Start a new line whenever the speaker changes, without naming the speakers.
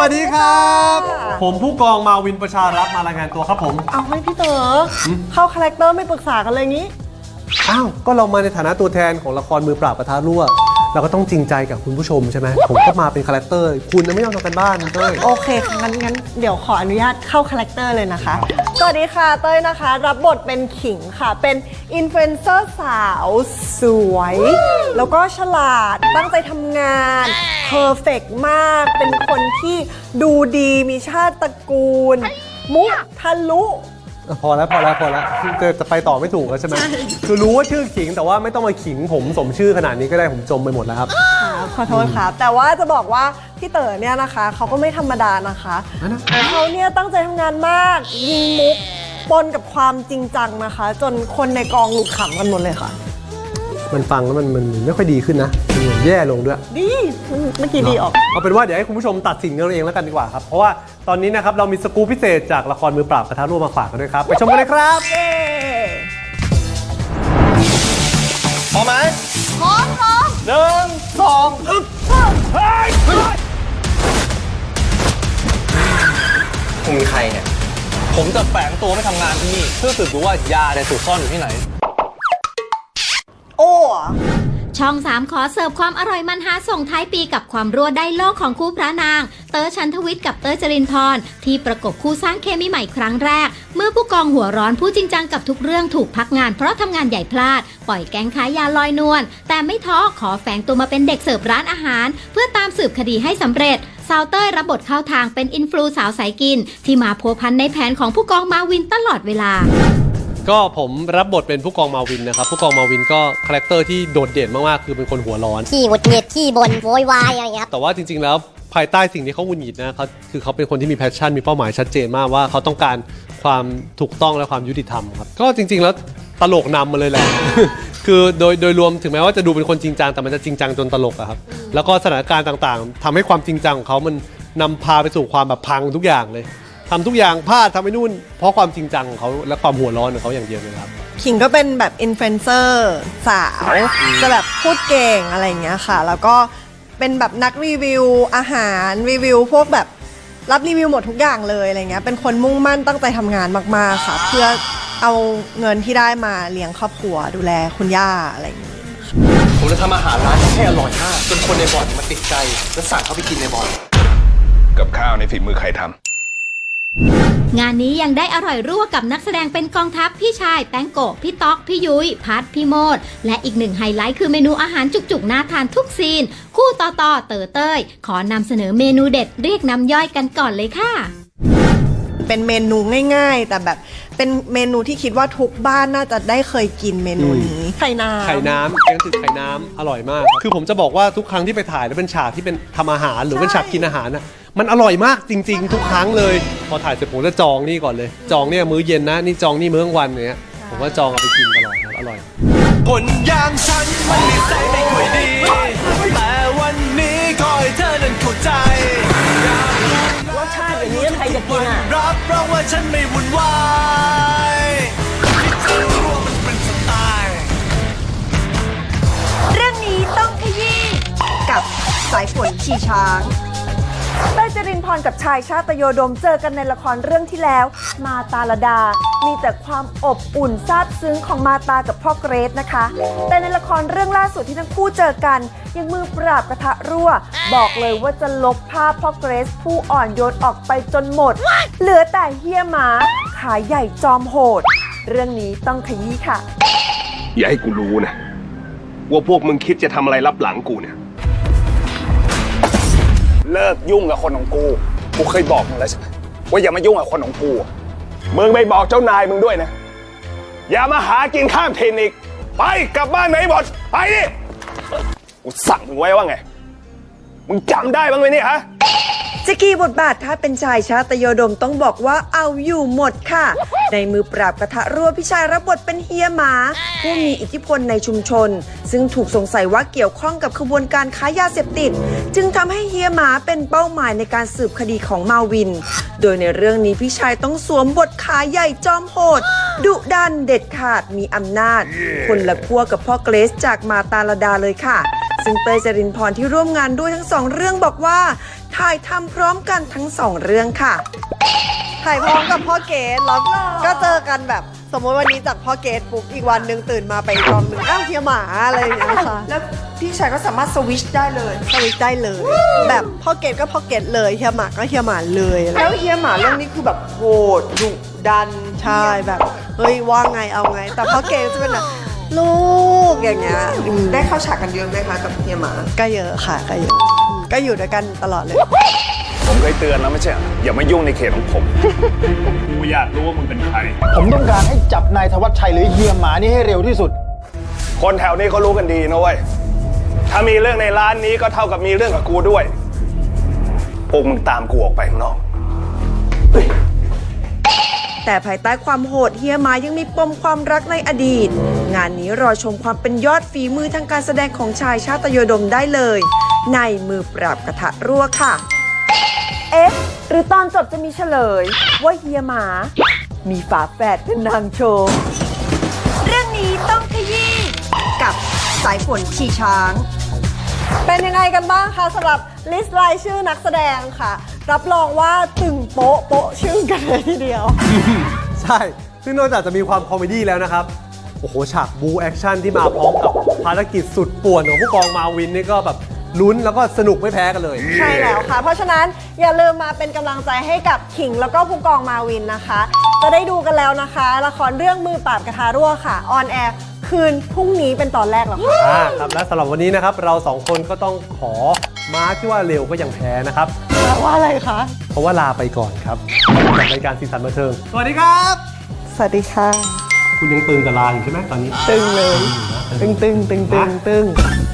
วัสดีครับผมผู้กองมาวินประชารักษ์มารายงานตัวครับผม
เอาไม่พี่เต๋อเข้าคาแรคเตอร์ไม่ปรึกษากันเลยงี้
อ้าวก็เรามาในฐานะตัวแทนของละครมือปราบกระทะรั่วเราก็ต้องจริงใจกับคุณผู้ชมใช่ไหมผมก็มาเป็นคาแรคเตอร์คุณไม่ต้องทำกันบ้านเต้ย
โอเคงั้นเดี๋ยวขออนุญาตเข้าคาแรคเตอร์เลยนะคะสวัสดีค่ะเต้ยนะคะรับบทเป็นขิงค่ะเป็นอินฟลูเอนเซอร์สาวสวยแล้วก็ฉลาดตั้งใจทำงานเพอร์เฟกต์มากเป็นคนที่ดูดีมีชาติตระกูลมุกทะลุ
พอแล้วจะไปต่อไม่ถูกแล้วใช่ไหมคือรู้ว่าชื่อขิงแต่ว่าไม่ต้องมาขิงผมสมชื่อขนาดนี้ก็ได้ผมจมไปหมดแล้วครับ
ขอโทษครับแต่ว่าจะบอกว่าพี่เต๋อเนี่ยนะคะเขาก็ไม่ธรรมดานะคะเขาเนี่ยตั้งใจทำงานมากยิงมุกปนกับความจริงจังนะคะจนคนในกองหลุดขำกันหมดเลยค่ะ
มันฟังแล้วมันไม่ค่อยดีขึ้นนะมันเหมือนแย่ลงด้วย
ดีเมื่อกี้ดีออก
เอาเป็นว่าเดี๋ยวให้คุณผู้ชมตัดสินกันเองแล้วกันดีกว่าครับเพราะว่าตอนนี้นะครับเรามีสกู๊ปพิเศษจากละครมือปราบกระทะรั่วมาฝากกันด้วยครับไปชมกันเลยครับพร้อมไหม
พร้อม
1 2
คุณเป็นใครเนี่ยผมจะแฝงตัวไม่ทำงานที่นี่เพื่อสืบดูว่ายาในถูกซ่อนอยู่ที่ไหน
โอ้
ช่อง 3 ขอเสิร์ฟความอร่อยมันหาส่งท้ายปีกับความรั่วได้โลกของคู่พระนางเต๋อชันทวิทย์กับเต้ยจรินพรที่ประกบคู่สร้างเคมีใหม่ครั้งแรกเมื่อผู้กองหัวร้อนผู้จริงจังกับทุกเรื่องถูกพักงานเพราะทำงานใหญ่พลาดปล่อยแก๊งค้ายาลอยนวลแต่ไม่ท้อขอแฝงตัวมาเป็นเด็กเสิร์ฟร้านอาหารเพื่อตามสืบคดีให้สำเร็จสาวเต้ยรับบทเข้าทางเป็นอินฟลูสาวสายกินที่มาพัวพันในแผนของผู้กองมาวินตลอดเวลา
ก็ผมรับบทเป็นผู้กองมาวินนะครับผู้กองมาวินก็คาแรคเตอร์ที่โดดเด่นมากๆคือเป็นคนหัวร้อน
ขี้หงุดหงิดขี้บ่นโวยวายอะไรอย่างเงี้ย
แต่ว่าจริงๆแล้วภายใต้สิ่งที่เขาหงุดหงิดนะเขาคือเขาเป็นคนที่มีแพชชั่นมีเป้าหมายชัดเจนมากว่าเขาต้องการความถูกต้องและความยุติธรรมครับก็จริงๆแล้วตลกนำมาเลยแหละ คือโดยรวมถึงแม้ว่าจะดูเป็นคนจริงจังแต่มันจะจริงจังจนตลกอะครับแล้วก็สถานการณ์ต่างๆทำให้ความจริงจังของเขามันนำพาไปสู่ความแบบพังทุกอย่างเลยทำทุกอย่างพลาดทำให้นู่นเพราะความจริงจังของเขาและความหัวร้อนของเขาอย่างเดียวเลยครับ
ขิงก็เป็นแบบอินฟลูเอนเซอร์สาวจะแบบพูดเก่งอะไรอย่างเงี้ยค่ะแล้วก็เป็นแบบนักรีวิวอาหารรีวิวพวกแบบรับรีวิวหมดทุกอย่างเลยอะไรเงี้ยเป็นคนมุ่งมั่นตั้งใจทำงานมากๆค่ะเพื่อเอาเงินที่ได้มาเลี้ยงครอบครัวดูแลคุณย่าอะไรอย่างงี้
ผมจะทำอาหารร้านให้อร่อยมากจนคนในบ่อนมาติดใจและสั่งเขาไปกินในบ่อน
กับข้าวในฝีมือใครทำ
งานนี้ยังได้อร่อยรั่วกับนักแสดงเป็นกองทัพพี่ชายแป้งโกะพี่ต๊อกพี่ยุ้ยพัดพี่โมดและอีกหนึ่งไฮไลท์คือเมนูอาหารจุกๆน่าทานทุกซีนคู่ต่อเต๋อเต้ยขอนำเสนอเมนูเด็ดเรียกน้ำย่อยกันก่อนเลยค่ะ
เป็นเมนูง่ายๆแต่แบบเป็นเมนูที่คิดว่าทุกบ้านน่าจะได้เคยกินเมนูนี้ไข่น้ำ
แกงจืดไข่น้ำอร่อยมากคือผมจะบอกว่าทุกครั้งที่ไปถ่ายแล้วเป็นฉากที่เป็นทำอาหารหรือเป็นฉากกินอาหารน่ะมันอร่อยมากจริงๆทุกครั้งเลยพอถ่ายเสร็จผมจะจองนี่ก่อนเลยจองเนี่ยมื้อเย็นนะนี่จองนี่มื้อกลางวันเนี้ยผมว่าจองเอาไปกินตลอดครับอร่อย
คนอย่างฉันมันนิสัยไม่ค่อยดีแต่วันนี้ขอให้เธอนั้นเข้าใจ
รสชาติอย่างนี้ใครจะกินอ่ะ
รับรองว่าฉันไม่วุ่นวายที่เธอรู้ว่ามันเป็นสไตล์
เรื่องนี้ต้องขยี้กับสายฝนชีช้างเต้ยจรินพรกับชายชาตโยดมเจอกันในละครเรื่องที่แล้วมาตาลดามีแต่ความอบอุ่นซาบซึ้งของมาตากับพ่อเกรซนะคะแต่ในละครเรื่องล่าสุดที่ทั้งคู่เจอกันยังมือปราบกระทะรั่วบอกเลยว่าจะลบภาพพ่อเกรซผู้อ่อนโยนออกไปจนหมดเหลือแต่เฮียหมาขาใหญ่จอมโหดเรื่องนี้ต้องขยี้ค่ะ
อย่าให้กูรู้นะว่าพวกมึงคิดจะทำอะไรลับหลังกูเนี่ยเลิกยุ่งกับคนของกูเคยบอกมึงแล้วใช่ไหมว่าอย่ามายุ่งกับคนของกูมึงไปบอกเจ้านายมึงด้วยนะอย่ามาหากินข้ามถิ่นอีกไปกลับบ้านไหนหมดไปดิกูสั่งมึงไว้ว่าไงมึงจำได้บ้างไหมเนี่ยฮะ
จะกี่บทบาทถ้าเป็นชายชาตโยดมต้องบอกว่าเอาอยู่หมดค่ะในมือปราบกระทะรั่วพี่ชายรับบทเป็นเฮียหมาผู้มีอิทธิพลในชุมชนซึ่งถูกสงสัยว่าเกี่ยวข้องกับขบวนการค้ายาเสพติดจึงทำให้เฮียหมาเป็นเป้าหมายในการสืบคดีของมาวินโดยในเรื่องนี้พี่ชายต้องสวมบทขาใหญ่จอมโหดดุดันเด็ดขาดมีอำนาจคนละขั้วกับพ่อเกรซจากมาตาลดาเลยค่ะซึ่งเตยจรินพรที่ร่วมงานด้วยทั้งสองเรื่องบอกว่าถ่ายทำพร้อมกันทั้งสองเรื่องค่ะ
ถ่ายพร้อมกับพ่อเกดแล้วก็เจอกันแบบสมมติวันนี้จากพ่อเกดปุ๊บอีกวันหนึ่งตื่นมาไปอีกกองหนึ่งอ้าวเฮียหมาอะไรอย่างเงี้ยค่ะ
แล้วพี่ชายก็สามารถสวิชได้เลย
สวิตช์ได้เลย แบบพ่อเกดก็พ่อเกดเลยเฮียหมาก็เฮียหมาเลยอะไร
แล้วเฮียหมาเรื่องนี้คือแบบโหดดุดัน
ใช่แบบเฮ้ยว่าไงเอาไง แต่พ่อเกดจะเป็นแบบลูกอย่างเงี้ย
ได้เข้าฉากกันเยอะไหมคะกับเฮียหมา
ก็เยอะค่ะก็เยอะก็อยู่ด้วยกันตลอดเลย
ผมเคยเตือนแล้วไม่ใช่เหรออย่ามายุ่งในเขตของผม กูอยากรู้ว่ามึงเป็นใคร
ผมต้องการให้จับนายธวัชชัยหรือเฮียหมานี่ให้เร็วที่สุด
คนแถวนี้เขารู้กันดีนะเว้ย ถ้ามีเรื่องในร้านนี้ก็เท่ากับมีเรื่องกับกูด้วยพวกมึงตามกูออกไปข้างนอก
แต่ภายใต้ความโหดเฮียหมายังมีปมความรักในอดีต งานนี้รอชมความเป็นยอดฝีมือทางการแสดงของชายชาตยโดมได้เลย ในมือปราบกระทะรั่วค่ะ เอ๊ะ หรือตอนจบจะมีเฉลย ว่าเฮียหมา มีฝาแฝดเป็นนางโชว์เรื่องนี้ต้องขยี้กับสายฝนชีช้าง
เป็นยังไงกันบ้างคะสำหรับลิสต์รายชื่อนักแสดงค่ะ รับรองว่าตึงโป๊ะโป๊ะชื่อกันเลยทีเดียว
ใช่ ซึ่งนอกจากจะมีความคอมเมดี้แล้วนะครับ โอ้โห ฉากบูแอคชั่นที่มาพร้อมกับภารกิจสุดป่วนของผู้กองมาวินนี่ก็แบบลุ้นแล้วก็สนุกไม่แพ้กันเลย
ใช่แล้วค่ะ เพราะฉะนั้นอย่าลืมมาเป็นกำลังใจให้กับขิงแล้วก็ผู้กองมาวินนะคะ จะได้ดูกันแล้วนะคะ ละครเรื่องมือปราบกระทารั่วค่ะออนแอร์คืนพรุ่งนี้เป็นตอนแรกแล้วค่ะ
ครับและสำหรับวันนี้นะครับเราสองคนก็ต้องขอม้าที่ว่าเร็วก็ยังแพ้นะครับ
แปลว่าอะไรคะ
เพราะว่าลาไปก่อนครับจากรายการสีสันบันเทิงสวัสดีครับ
สวัสดีค่ะ
คุณยังตึงกับลาอยู่ใช่ไหมตอนนี้
ตึงเลย ตึงตึงตึงตึงตึง